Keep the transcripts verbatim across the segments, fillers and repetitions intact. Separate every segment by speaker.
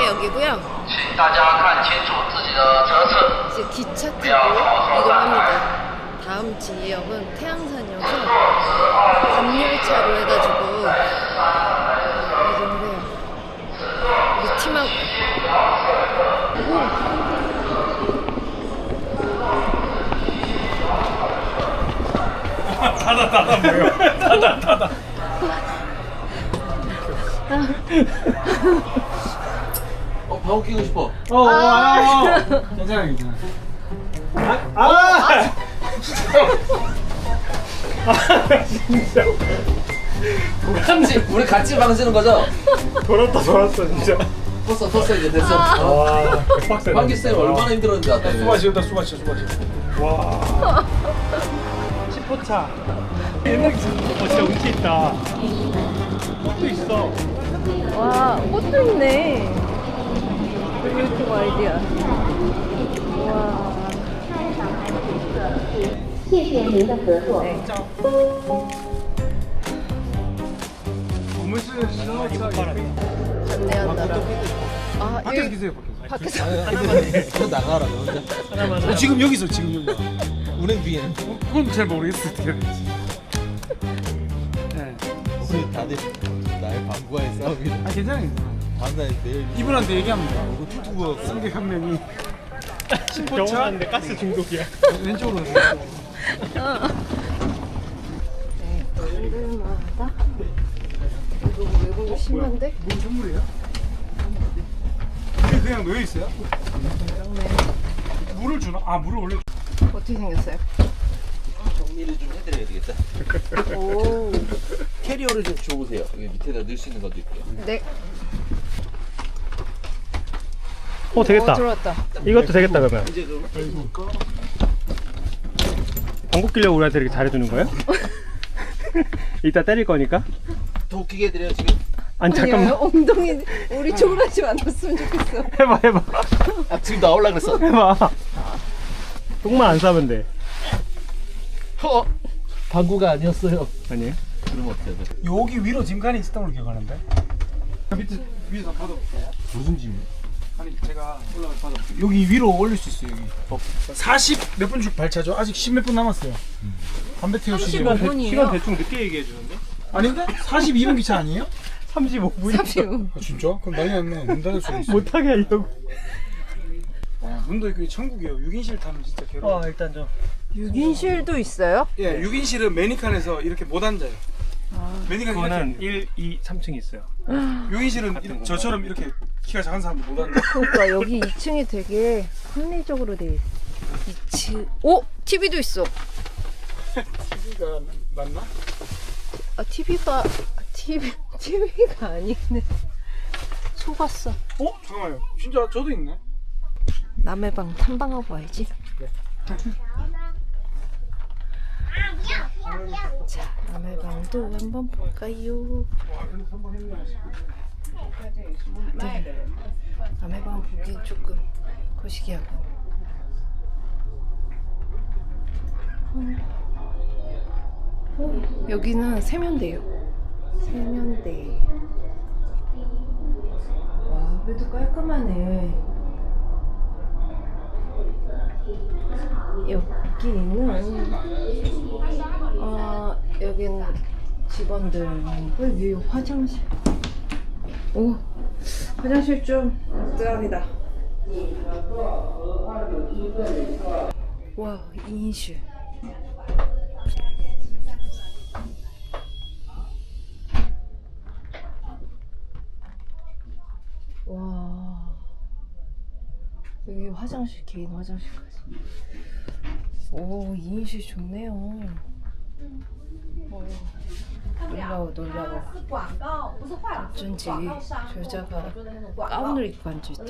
Speaker 1: 게 여기고요. 이제 기차 타고 이동합니다. 다음 지역은 태양산이어서 밤열차로 해가지고 이동을 해요. 우리 팀하고.
Speaker 2: 닫아 닫아 뭐야? 닫아 닫아.
Speaker 3: 어, 방귀 끼고 싶어.
Speaker 2: 어, 어, 아, 괜찮아 괜찮아. 아, 아, 아, 진짜.
Speaker 3: 같이 우리 같이 방 쓰는 거죠?
Speaker 2: 돌았다 돌았어 진짜.
Speaker 3: 텄어 텄어 이제 됐어.
Speaker 2: 와, 빡세.
Speaker 3: 방귀 쌤 얼마나 힘들었는지 알아.
Speaker 2: 수바 지었다 수바 지어 수바 지어. 와. 십 호차. 옛날 기차. 어 진짜 운치 있다. 꽃도 있어.
Speaker 1: 와, 꽃도 있네. 유튜브 아이디어. 와.
Speaker 4: 谢谢您的合作。
Speaker 2: 건물실 신호차
Speaker 1: 안내한다라. 아,
Speaker 2: 밖에서
Speaker 1: 여기
Speaker 2: 기세요 밖에서.
Speaker 1: 밖에서.
Speaker 3: 너 나가라 너 혼자.
Speaker 2: 어, 지금 여기서 지금 여기.
Speaker 3: 우린 뒤에.
Speaker 2: 어, 그건 잘 모르겠어 어떻게 해야 될지. 네.
Speaker 3: 우리 다들 나의 방구와의 싸움이다.
Speaker 2: 아 괜찮아요.
Speaker 3: 다음날 내일
Speaker 2: 이분한테 얘기하면 돼.
Speaker 3: 이거 유튜브
Speaker 2: 승객 한 명이 십 호차 가스 중독이야. 왼쪽으로 가세요.
Speaker 1: 네, 얼마다? 이거 외국어 심한데?
Speaker 2: 뭔 선물이에요? 이게 그냥 놓여 있어요? 물을 주나? 아 물을 원래
Speaker 1: 어떻게 생겼어요?
Speaker 3: 정리를 좀 해드려야 되겠다.
Speaker 1: 오.
Speaker 3: 캐리어를 좀 줘보세요. 여기 밑에다 넣을 수 있는 것도 있고요.
Speaker 1: 네.
Speaker 5: 어 되겠다.
Speaker 1: 어, 들어왔다.
Speaker 5: 이것도 되겠다 그러면.
Speaker 3: 이제 그럼
Speaker 5: 방구 끼려고 우리한테 이렇게 잘해주는 거예요? 이따 때릴 거니까.
Speaker 3: 더 웃기게 해드려요 지금.
Speaker 5: 아니
Speaker 1: 아니요,
Speaker 5: 잠깐만.
Speaker 1: 엉덩이 우리 쪼그라지 않았으면 좋겠어.
Speaker 5: 해봐 해봐
Speaker 3: 아 지금 나올라 그랬어.
Speaker 5: 해봐. 똥만 안 싸면 돼.
Speaker 3: 어? 방구가 아니었어요.
Speaker 5: 아니에요?
Speaker 3: 그럼 어떻게 해야 돼?
Speaker 2: 여기 위로 짐칸이 있었던 걸로 기억하는데. 밑에 위에서 받아.
Speaker 3: 무슨 짐이야?
Speaker 2: 아니 제가 올라가서 받아. 여기 위로 올릴 수 있어요 여기. 사십 몇 분씩 발차죠? 아직 십 몇 분 남았어요. 담배 태우시죠.
Speaker 1: 삼십오 분이에요?
Speaker 5: 시간 대충 늦게 얘기해 주는데?
Speaker 2: 아닌데? 사십이 분 기차 아니에요?
Speaker 5: 삼십오 분.
Speaker 1: 삼십 분.
Speaker 2: 아 진짜? 그럼 난리 났네. 문 닫을 수도 있어.
Speaker 5: 못하게 하려고.
Speaker 2: 와, 문도 있고 천국이에요. 육 인실 타면 진짜 괴로워.
Speaker 5: 어 일단 좀.
Speaker 1: 육 인실도 있어요?
Speaker 2: 예, 육 인실은 매니칸에서 이렇게 못 앉아요. 매니칸
Speaker 5: 그거는
Speaker 2: 이렇게.
Speaker 5: 일, 이, 삼 층 있어요.
Speaker 2: 육 인실은 이렇게 저처럼 이렇게 키가 작은 사람도 못 앉아.
Speaker 1: 그러니까 여기 이 층이 되게 합리적으로 돼 있어. 이 층. 오! 티비도 있어.
Speaker 2: 티비가 맞나?
Speaker 1: 아, 티비가 티비 티비가 아니네. 속았어.
Speaker 2: 어? 잠깐만요. 진짜 저도 있네.
Speaker 1: 남의 방 탐방하고 와야지. 자, 남의 방도 한번 볼까요? 네. 남의 방 보기 조금 거시기하고. 음. 어, 여기는 세면대요. 세면대. 와, 그래도 깔끔하네. 여기는 어 여기는 직원들 왜 위에 화장실 오 화장실 좀 짱이다. 와 인실 와 여기 화장실 개인 화장실까지. 오, 이인실 좋네요. 오, 놀라워, 놀라워. 어쩐지 저 여자가 가운을 입고 앉아있다.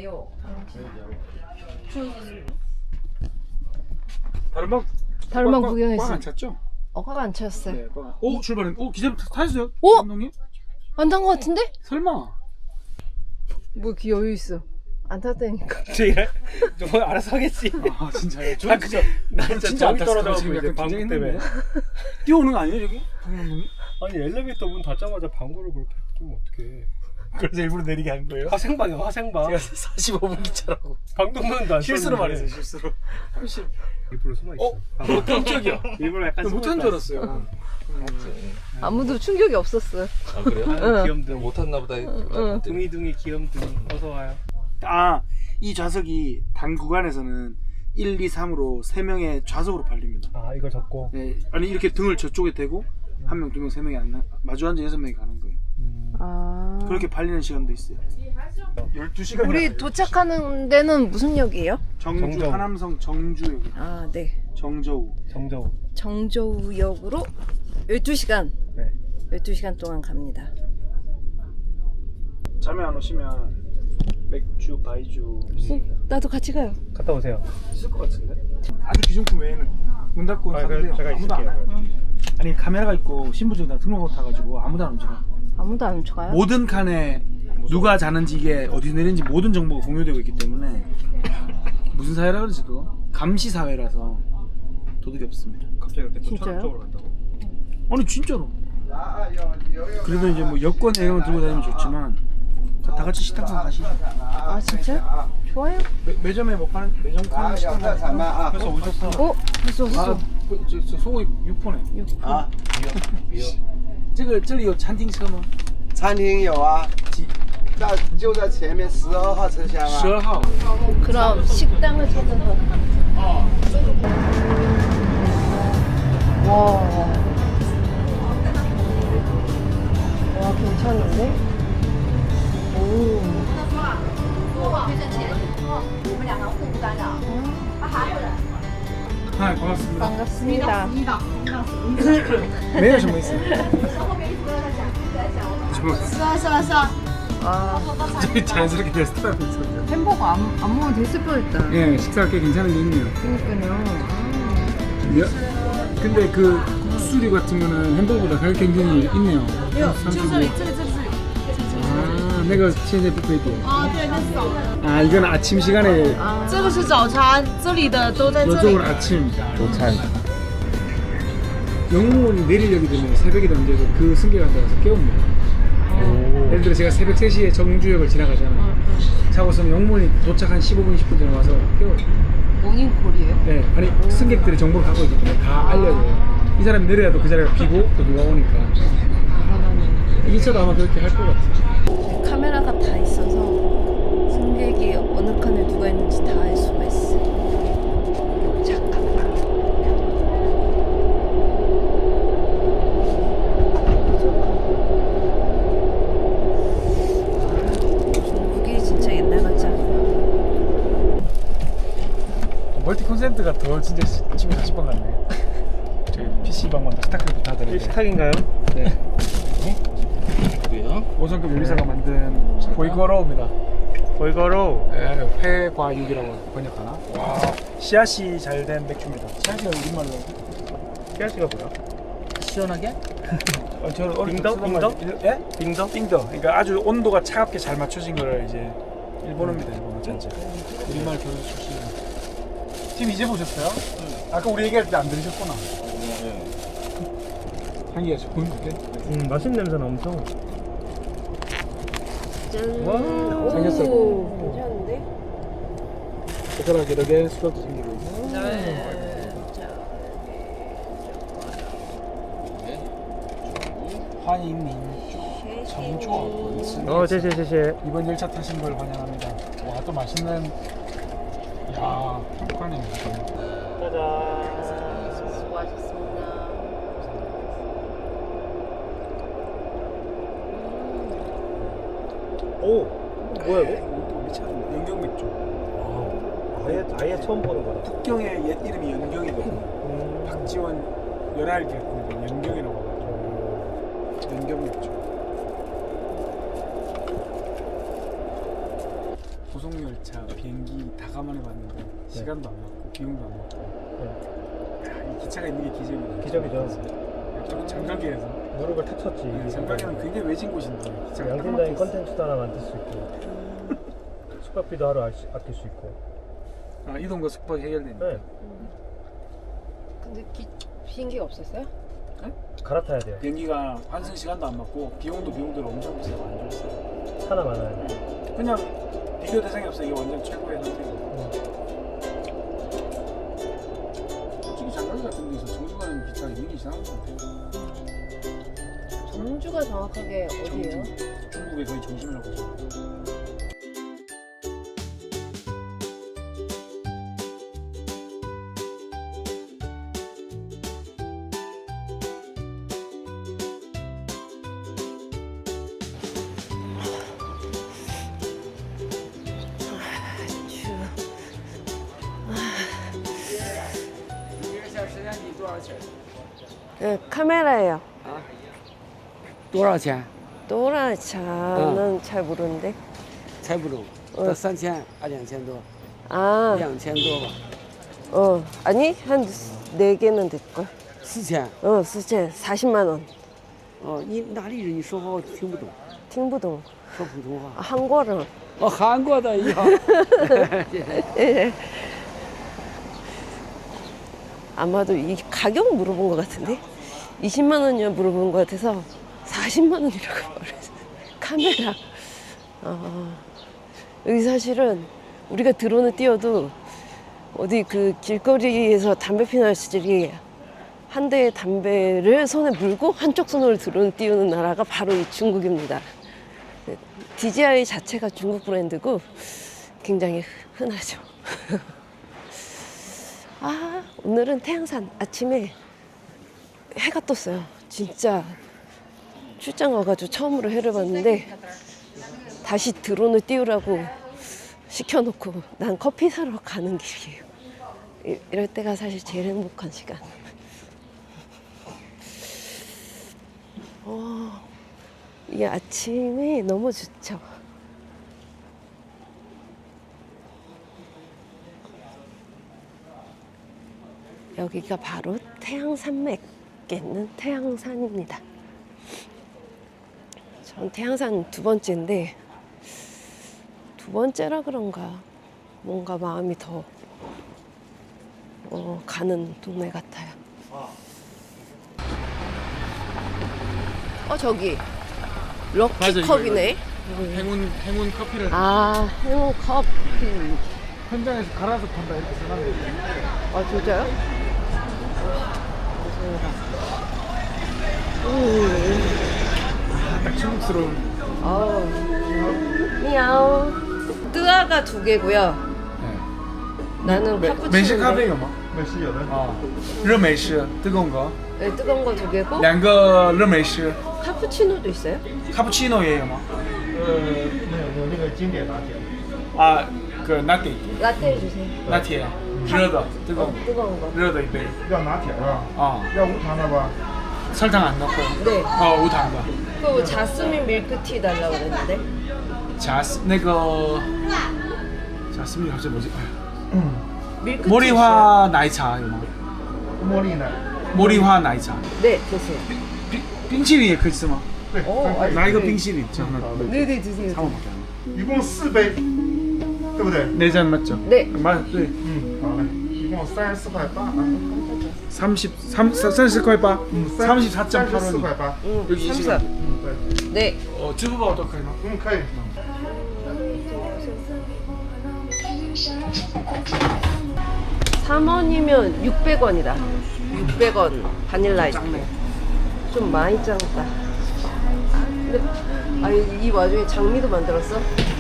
Speaker 2: 다른 방
Speaker 1: 다른 방
Speaker 2: 꽉-
Speaker 1: 구경했어.
Speaker 2: 꽉안 찼죠?
Speaker 1: 어, 꽉 안 찼어요.
Speaker 2: 네. 꽉. 오 출발했. 오 기자 타셨어요?
Speaker 1: 오!
Speaker 2: 감독님?
Speaker 1: 안 탄 거 같은데?
Speaker 2: 설마?
Speaker 1: 뭐 이렇게 여유 있어. 안 탔다니까.
Speaker 5: 제가 저 알아서 하겠지.
Speaker 2: 아 진짜요? 저
Speaker 5: 아,
Speaker 2: 진짜
Speaker 5: 나
Speaker 2: 저는
Speaker 5: 진짜
Speaker 2: 안
Speaker 5: 저기
Speaker 2: 탔어요.
Speaker 5: 떨어져가지고
Speaker 2: 지금
Speaker 5: 이제
Speaker 2: 약간
Speaker 5: 방구
Speaker 2: 긴장했는데.
Speaker 5: 때문에.
Speaker 2: 뛰어오는 거 아니에요 저기? 박 감독님?
Speaker 5: 아니 엘리베이터 문 닫자마자 방구를 그렇게 끼면 어떡해.
Speaker 2: 그래서 일부러 내리게 한 거예요?
Speaker 5: 화생방이야 화생방.
Speaker 2: 제가 사십오 분 기차라고
Speaker 5: 방독면도 안
Speaker 2: 실수로
Speaker 5: 썼는데.
Speaker 2: 말했어요 실수로. 훨씬
Speaker 5: 일부러 숨어 있어.
Speaker 2: 어? 어 깜짝이야.
Speaker 5: 일부러 약간
Speaker 2: 못한 줄 알았어요.
Speaker 1: 아무도 충격이 없었어요.
Speaker 3: 아 그래요?
Speaker 1: 응.
Speaker 5: 귀염둥이.
Speaker 3: 못 탔나 보다.
Speaker 1: 응.
Speaker 5: 둥이둥이 귀염둥이. 어서 와요.
Speaker 2: 아, 이 좌석이 단 구간에서는 일, 이, 삼으로 세 명의 좌석으로 팔립니다.
Speaker 5: 아 이걸 접고.
Speaker 2: 네, 아니 이렇게 등을 저쪽에 대고 한 명, 두 명, 세 명이 안 나, 마주 앉아 여섯 명이 가는 거예요.
Speaker 5: 음.
Speaker 1: 아.
Speaker 2: 그렇게 팔리는 시간도 있어요. 열두 시간.
Speaker 1: 우리 도착하는 데는 무슨 역이에요?
Speaker 2: 정주
Speaker 5: 정저우.
Speaker 2: 하남성 정주역.
Speaker 1: 아, 네.
Speaker 2: 정저우.
Speaker 5: 정저우.
Speaker 1: 정저우역으로 열두 시간.
Speaker 5: 네.
Speaker 1: 열두 시간 동안 갑니다.
Speaker 2: 잠에 안 오시면 맥주, 바이주
Speaker 1: 어, 나도 같이 가요.
Speaker 5: 갔다 오세요.
Speaker 2: 있을 것 같은데? 아주 기존품 외에는 문 닫고
Speaker 5: 아,
Speaker 2: 사도
Speaker 5: 그래,
Speaker 2: 돼요.
Speaker 5: 제가
Speaker 2: 아무도 안
Speaker 5: 있을게요.
Speaker 2: 와요. 아니 카메라가 있고 신분증 다 등록하고 타가지고 아무도 안 움직여.
Speaker 1: 아무도 안 훔쳐가요?
Speaker 2: 모든 칸에 누가 자는지 이게 어디 내린지 모든 정보가 공유되고 있기 때문에 무슨 사회라 그러지 그거? 감시 사회라서 도둑이 없습니다.
Speaker 5: 갑자기 이렇게 또
Speaker 1: 진짜요?
Speaker 5: 천안 쪽으로 간다고.
Speaker 2: 아니 진짜로. 그래도 이제 뭐 여권 이런 거 들고 다니면 좋지만 다, 다 같이 식당 가서 가시죠.
Speaker 1: 아, 진짜? 좋아요.
Speaker 2: 매, 매점에 뭐 파는 매점 파는 식당 가서.
Speaker 5: 그래서 오셨어.
Speaker 1: 어? 벌써
Speaker 2: 아,
Speaker 1: 왔어.
Speaker 2: 그, 저, 저 소고기 육 포네.
Speaker 3: 아, 미역.
Speaker 2: 这个这里有餐厅车吗？
Speaker 6: 餐厅有啊，在就在前面十二号车厢啊。
Speaker 2: 十二号。
Speaker 1: 그럼 식당을 찾아서. 와. 와, 괜찮은데? 오.
Speaker 2: 아, 반갑습니다.
Speaker 1: 반갑습니다.
Speaker 2: 没有什么意思。
Speaker 1: 아,
Speaker 2: 되게 자연스럽게 레스토랑에 있어요.
Speaker 1: 햄버거 안, 안 먹어도 됐을 뻔했다.
Speaker 2: 예, 식사가 꽤 괜찮은 게 있네요.
Speaker 1: 그러니까요.
Speaker 2: 몇? 근데 그 국수류 같은 거는 햄버거보다 가격 굉장히 있네요. 아, 那个现在不可以点。
Speaker 7: 啊，对，那是早餐。
Speaker 2: 아, 이건 아침 시간에
Speaker 7: 这个是早餐，这里的都在这里。
Speaker 2: 이쪽은 아침.
Speaker 3: 도찬.
Speaker 2: 영문이 내리려기 때문에 새벽에 던져서 그 승객 앉아서 깨웁니다. 예를 들어 제가 새벽 세 시에 정주역을 지나가잖아요. 자고서는 영문이 도착 한 십오 분, 이십 분 전에 와서 깨워요.
Speaker 1: 모닝콜이에요?
Speaker 2: 네, 아니 승객들이 정보를 갖고 있기 때문에 다 알려줘요. 이 사람이 내려야도 그 자리가 비고 또 누가 오니까. 이 차도 아마 그렇게 할 것 같아요.
Speaker 1: 카메라가 다 있어서 승객이 어느 칸에 누가 있는지 다 알 수가 있어. 잠깐만. 중국이 진짜 옛날 같지 않아요?
Speaker 2: 멀티 콘센트가 더 진짜 집에 사십 번 같네. 저희 피씨방만 다 스타크래프트 하더라고요.
Speaker 5: 식탁인가요?
Speaker 2: 네.
Speaker 3: 누구요?
Speaker 2: 오 성급 요리사가 만든 보이거로우입니다.
Speaker 5: 보이거로.
Speaker 2: 네, 회과육이라고 번역하나? 와, 씨앗이 잘 된 맥주입니다. 씨앗이가 우리말로.
Speaker 5: 씨앗이가 뭐야?
Speaker 3: 시원하게?
Speaker 2: 어, 저는 어릴 때
Speaker 5: 빙더?
Speaker 2: 쓰던
Speaker 5: 빙더?
Speaker 2: 말- 예?
Speaker 5: 빙더?
Speaker 2: 빙더. 그러니까 아주 온도가 차갑게 잘 맞춰진 거를 이제 일본어입니다. 일본어 전체. 우리말 교수 출신. 팀 이제 보셨어요? 아까 우리 얘기할 때 안 들으셨구나. 향기가 좋은데?
Speaker 5: 음 맛있는 냄새나 엄청.
Speaker 1: 짠.
Speaker 5: 와,
Speaker 2: 생겼어.
Speaker 1: 오, 괜찮은데?
Speaker 2: 젓가락 여러 개, 수저도 생기고 있고.
Speaker 1: 네. 자,
Speaker 2: 환인님 정조합.
Speaker 5: 어, 제제제제.
Speaker 2: 이번 열차 타신 걸 환영합니다. 와, 또 맛있는. 야, 한국관입니다.
Speaker 5: 짜잔.
Speaker 1: 수고하셨습니다.
Speaker 5: 오, 뭐야 이거?
Speaker 2: 또 미쳤네. 연경 맥주.
Speaker 5: 아, 아예 아예 처음 보는 거다.
Speaker 2: 북경의 옛 이름이 연경이거든요.
Speaker 5: 음.
Speaker 2: 박지원 연할기 같은 거 연경이라고 하거든요. 연경 맥주. 고속열차, 비행기 다 감안해봤는데 시간도 안 맞고 비용도 안 맞고. 야, 이 기차가 있는 게 기적이다.
Speaker 5: 기적이죠.
Speaker 2: 또 장가기에서.
Speaker 5: 무릎을 탁 쳤지.
Speaker 2: 네, 장가기는 굉장히 외진 곳인데 기차가 딱
Speaker 5: 양심적인
Speaker 2: 막혀있어.
Speaker 5: 컨텐츠도 하나 만들 수 있고 숙박비도 하루 알 수- 아낄 수 있고.
Speaker 2: 아, 이동과 숙박이 해결되니까.
Speaker 5: 네.
Speaker 1: 근데 기, 비행기가 없었어요?
Speaker 5: 갈아타야 돼요.
Speaker 2: 비행기가 환승 시간도 안 맞고 비용도 비용대로 엄청 비싸고 안 좋았어요.
Speaker 5: 차나 많아요.
Speaker 2: 그냥 비교 대상이 없어. 이게 완전 최고의 선택이에요. 솔직히 장가기 같은 데서 정주 가는 기차가 있는 이상한 것 같아요.
Speaker 1: 정주가 정확하게 어디예요?
Speaker 2: 중국의 거의 중심이라고 보시면 돼요.
Speaker 1: 네, 카메라예요.
Speaker 8: 多少钱？
Speaker 1: 노라차는 잘 모르는데.
Speaker 8: 才不中，到三千还两千多，
Speaker 1: 아,
Speaker 8: 两千多吧，
Speaker 1: 어, 아니 한 네 개는 될걸.
Speaker 8: 四千。
Speaker 1: 어, 수채 사십만 원.
Speaker 8: 哦，你哪里人？你说话我听不懂，
Speaker 1: 팅부동.
Speaker 8: 说普通话。
Speaker 1: 아, 한국어를.
Speaker 8: 哦，韩国的呀。
Speaker 1: 예. 아마도 이 가격 물어본 것 같은데 이십만 원이요 물어본 것 같아서 사십만 원이라고 말했어. 카메라. 아, 여기 사실은 우리가 드론을 띄워도 어디 그 길거리에서 담배 피는 아저씨들이 한 대의 담배를 손에 물고 한쪽 손으로 드론을 띄우는 나라가 바로 이 중국입니다. 디지아이 자체가 중국 브랜드고 굉장히 흔하죠. 아, 오늘은 태양산 아침에 해가 떴어요. 진짜 출장 와가지고 처음으로 해를 봤는데 다시 드론을 띄우라고 시켜놓고 난 커피 사러 가는 길이에요. 이- 이럴 때가 사실 제일 행복한 시간. 어, 이게 아침이 너무 좋죠. 여기가 바로 태양산맥에 있는 태양산입니다. 전 태양산 두 번째인데 두 번째라 그런가 뭔가 마음이 더 어, 가는 동네 같아요. 어 저기 럭키컵이네.
Speaker 2: 행운 행운 커피를
Speaker 1: 아 행운 커피.
Speaker 2: 현장에서 갈아서 판다 이렇게 생각해요.
Speaker 1: 아 진짜요?
Speaker 2: 딱 중국스러운.
Speaker 1: 아우. 미야오. 뜨아가 두 개고요. 나는 카푸치노.
Speaker 2: 美式咖啡有吗？美式有的。啊，热美式뜨거운 거.
Speaker 1: 네, 뜨거운 거 두 개고.
Speaker 2: 两个热美式
Speaker 1: 카푸치노도 있어요?
Speaker 2: 카푸치노也有吗？
Speaker 5: 呃，没有，有那个经典拿铁。
Speaker 2: 啊，그拿铁
Speaker 1: 라떼 주세요.
Speaker 2: 拿铁热的 뜨거운
Speaker 1: 뜨거운 거.
Speaker 2: 热的一杯
Speaker 5: 要拿铁是吧？
Speaker 2: 啊，
Speaker 5: 要无糖的吧？
Speaker 2: 설탕 안 넣고
Speaker 1: 네.
Speaker 2: 어无糖的
Speaker 1: 그 자스민 밀크티 달라고 그랬는데.
Speaker 2: 자스 那个 자스민 갑자기 뭐지?
Speaker 1: 밀크티.
Speaker 2: 모리화 나이차 有吗？
Speaker 5: 茉莉奶。
Speaker 2: 모리화 나이차
Speaker 1: 네, 됐어요.
Speaker 2: 冰淇淋也可以吃吗？
Speaker 1: 어, 아,
Speaker 2: 拿一个冰淇淋这样的
Speaker 1: 네, 네, 드세요.
Speaker 2: 3원
Speaker 5: 一共四杯，对不对？
Speaker 2: 네잔 맞죠?
Speaker 1: 네.
Speaker 2: 맞对
Speaker 5: 嗯，好嘞，一共三十四块八啊。
Speaker 2: 삼십 삼 삼십块八 삼십사 점 팔
Speaker 5: 四
Speaker 2: 원
Speaker 5: 块八。
Speaker 1: 응,
Speaker 2: 여기 이
Speaker 1: 삼사.
Speaker 2: 시간.
Speaker 5: 음, 네.
Speaker 1: 네.
Speaker 2: 어支付宝 어떡하나?
Speaker 5: 嗯，可以。
Speaker 1: 삼 원이면 육백 원이다. 육백 원 바닐라 아이스크림. 좀 많이 작다. 근데 아, 이, 이 와중에 장미도 만들었어?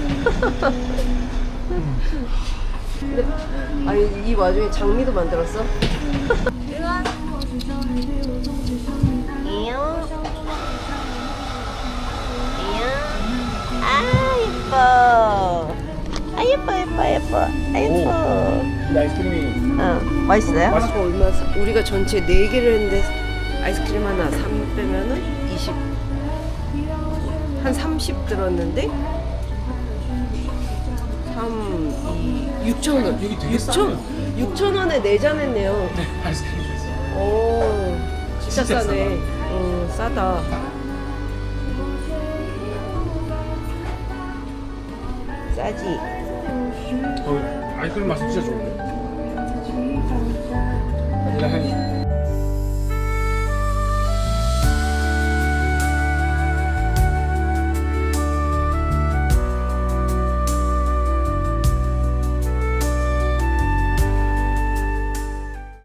Speaker 1: 근데 아, 이, 이 와중에 장미도 만들었어? 아 예뻐. 아 예뻐 예뻐 예뻐. 아 예뻐.
Speaker 2: 이 아이스크림이
Speaker 1: 어, 맛있어요?
Speaker 2: 맛있어.
Speaker 1: 얼마 사, 우리가 전체 네 개를 했는데 아이스크림 하나 삼 빼면은 이십, 한 삼십 들었는데 삼, 이, 육천 원.
Speaker 2: 여기 되게
Speaker 1: 육천,
Speaker 2: 싸네요.
Speaker 1: 육천 원에 네 잔 했네요.
Speaker 2: 네 아이스크림 있어.
Speaker 1: 오, 진짜,
Speaker 2: 진짜
Speaker 1: 싸네. 어, 싸다. 싸지.
Speaker 2: 어, 아이스크림 맛이 진짜 좋은데. 바닐라 향이.